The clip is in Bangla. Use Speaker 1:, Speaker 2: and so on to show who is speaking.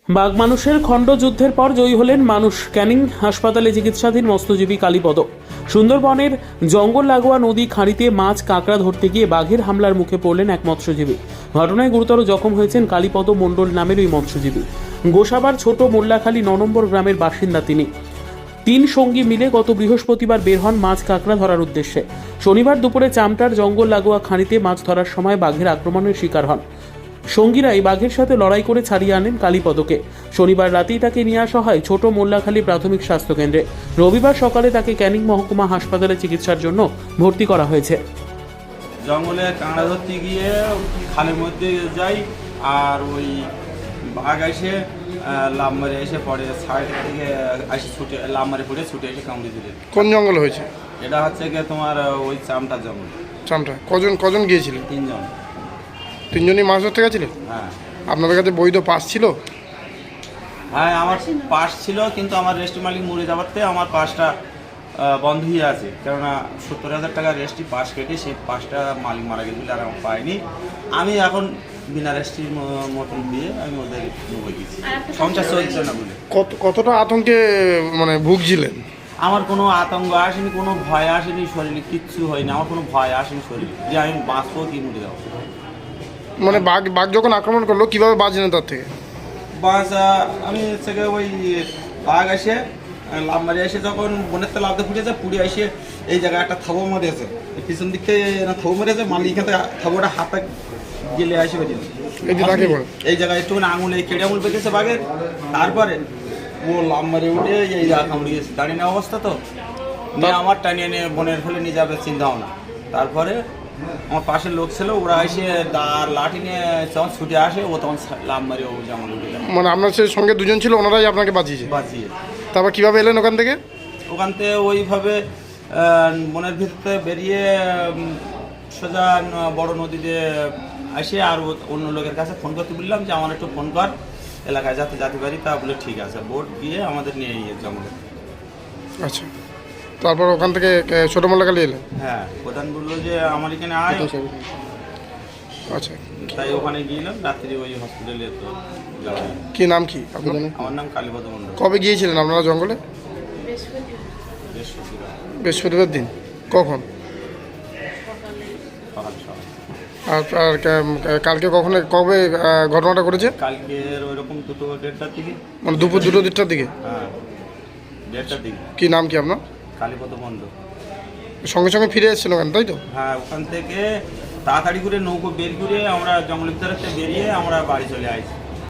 Speaker 1: বাঘ মানুষের খণ্ডযুদ্ধের পর জয়ী হলেন মানুষ। ক্যানিং হাসপাতালে চিকিৎসাধীন মৎস্যজীবী কালীপদ। সুন্দরবনের জঙ্গল লাগোয়া নদী খাঁড়িতে মাছ কাঁকড়া ধরতে গিয়ে বাঘের হামলার মুখে পড়লেন এক মৎস্যজীবী। ঘটনায় গুরুতর জখম হয়েছেন কালীপদ মণ্ডল নামের ওই মৎস্যজীবী। গোসাবার ছোট মোল্লাখালী ৯ নম্বর গ্রামের বাসিন্দা তিনি। ৩ সঙ্গী মিলে গত বৃহস্পতিবার বের হন মাছ কাঁকড়া ধরার উদ্দেশ্যে। শনিবার দুপুরে চামটার জঙ্গল লাগোয়া খাঁড়িতে মাছ ধরার সময় বাঘের আক্রমণের শিকার হন। সঙ্গীরাই বাঘের সাথে লড়াই করে ছাড়িয়ে আনেন কালীপদকে। শনিবার রাতেই তাকে নিয়ে আসা হয় ছোট মোল্লাখালী প্রাথমিক স্বাস্থ্যকেন্দ্রে। রবিবার সকালে তাকে ক্যানিং মহকুমা হাসপাতালে চিকিৎসার জন্য ভর্তি করা হয়েছে।
Speaker 2: জঙ্গলে কাঁকড়া ধরতে গিয়ে খালের মধ্যে যাই, আর ওই বাঘ এসে লাভ মারে এসে পড়ে, সাইড থেকে এসে ছুটে লাভ মারে পড়ে ছুটে এসে কামড়ে দিলে।
Speaker 3: কোন জঙ্গল হয়েছে?
Speaker 2: এটা হচ্ছে গিয়ে তোমার ওই চামটা জঙ্গল।
Speaker 3: চামটা কজন গিয়েছিলেন?
Speaker 2: 3 জন।
Speaker 3: 3 জনই মাছ ধরতে গেছিলেন?
Speaker 2: হ্যাঁ
Speaker 3: আপনাদের কাছে বৈধ পাস ছিল?
Speaker 2: হ্যাঁ, আমার পাস ছিল, কিন্তু আমার রেস্ট মালিক মরে যাওয়াতে আমার পাসটা বন্ধ হয়ে আছে। কেননা ৭০,০০০ টাকা রেস্ট্রি পাস কেটে সেই পাসটা মালিক মারা গেছিল, আর আমার পাইনি। আমি এখন বিনা রেস্ট্রির মতন দিয়ে আমি ওদের ডুবে গেছি, সংসার চলছে না বলে।
Speaker 3: কতটা আতঙ্কে ভুগছিলেন?
Speaker 2: আমার কোনো আতঙ্ক আসেনি, কোনো ভয় আসেনি, শরীরে কিচ্ছু হয়নি। আমার কোনো ভয় আসেনি শরীরে যে আমি বাঁচবো কি মরে যাবো।
Speaker 3: বাঘ যখন আক্রমণ করলো কিভাবে বাঁচলেন তার থেকে?
Speaker 2: আমি হচ্ছে ওই বাঘ এসে লাভ মারি এসে যখন বনের তো লাভতে ফুটেছে, পুড়ে এসে এই জায়গায় একটা থাবো মারিয়েছে, পিছন দিক থেকে থাবো মারিয়েছে, মালিক এখান থেকে থাবোটা হাতে গেলে আসে বেরিয়েছে। এই জায়গায় একটুখানি আঙুল, এই কেটে আঙুল পেকেছে বাঘের। তারপরে ও লাভ মারি উঠে এই জায়গা কামড়ে গেছে। দাঁড়িয়ে নেওয়া অবস্থা তো নিয়ে আমার টানিয়ে নিয়ে বনের ফেলে নিয়ে যাবে চিন্তা ভাবনা। তারপরে আমার পাশের লোক ছিল, ওরা এসে দাঁড় লাঠি নিয়ে যখন ছুটে আসে, ও তখন লাভ মারি ও যেমন উঠে যায়।
Speaker 3: আপনার সঙ্গে 2 জন ছিল, ওনারাই আপনাকে বাঁচিয়েছে?
Speaker 2: বাঁচিয়ে।
Speaker 3: তারপর কিভাবে এলেন ওখান থেকে?
Speaker 2: ওখান থেকে ওইভাবে বনের ভিতরে বেরিয়ে সোজা বড় নদীতে আসে, আর অন্য লোকের কাছে ফোন করতে বললাম যে আমার একটু ফোন কর, এলাকায় যেতে পারি। তা বলে ঠিক আছে, বোট গিয়ে আমাদের নিয়ে গিয়ে জঙ্গলে।
Speaker 3: আচ্ছা, তারপর ওখান থেকে ছোট মোল্লাখালী এলেন?
Speaker 2: হ্যাঁ, প্রধান বললো যে আমার এখানে আয়।
Speaker 3: আচ্ছা,
Speaker 2: তাই ওখানে গিয়েলাম, রাত্রি ওই হসপিটালে তো যাওয়া।
Speaker 3: কি নাম কি আপনার?
Speaker 2: আমার নাম কালীপদ মণ্ডল।
Speaker 3: কবে গিয়েছিলেন আপনারা জঙ্গলে? বৃহস্পতিবার দিন। কখন?
Speaker 2: সকাল।
Speaker 3: আর কালকে কবে ঘটনাটা ঘটেছে?
Speaker 2: কালকের ওইরকম 2-1:30টার দিকে।
Speaker 3: দুপুর 2-2:30টার দিকে?
Speaker 2: হ্যাঁ, 1:30টার দিকে।
Speaker 3: কি নাম কি আপনার?
Speaker 2: কালীপদ মণ্ডল।
Speaker 3: সঙ্গে সঙ্গে ফিরে এসেছিল কেন, তাই তো?
Speaker 2: হ্যাঁ, ওখান থেকে তাড়াতাড়ি করে নৌকো বের করে আমরা জঙ্গলের ভিতরে বেরিয়ে আমরা বাড়ি চলে আসি।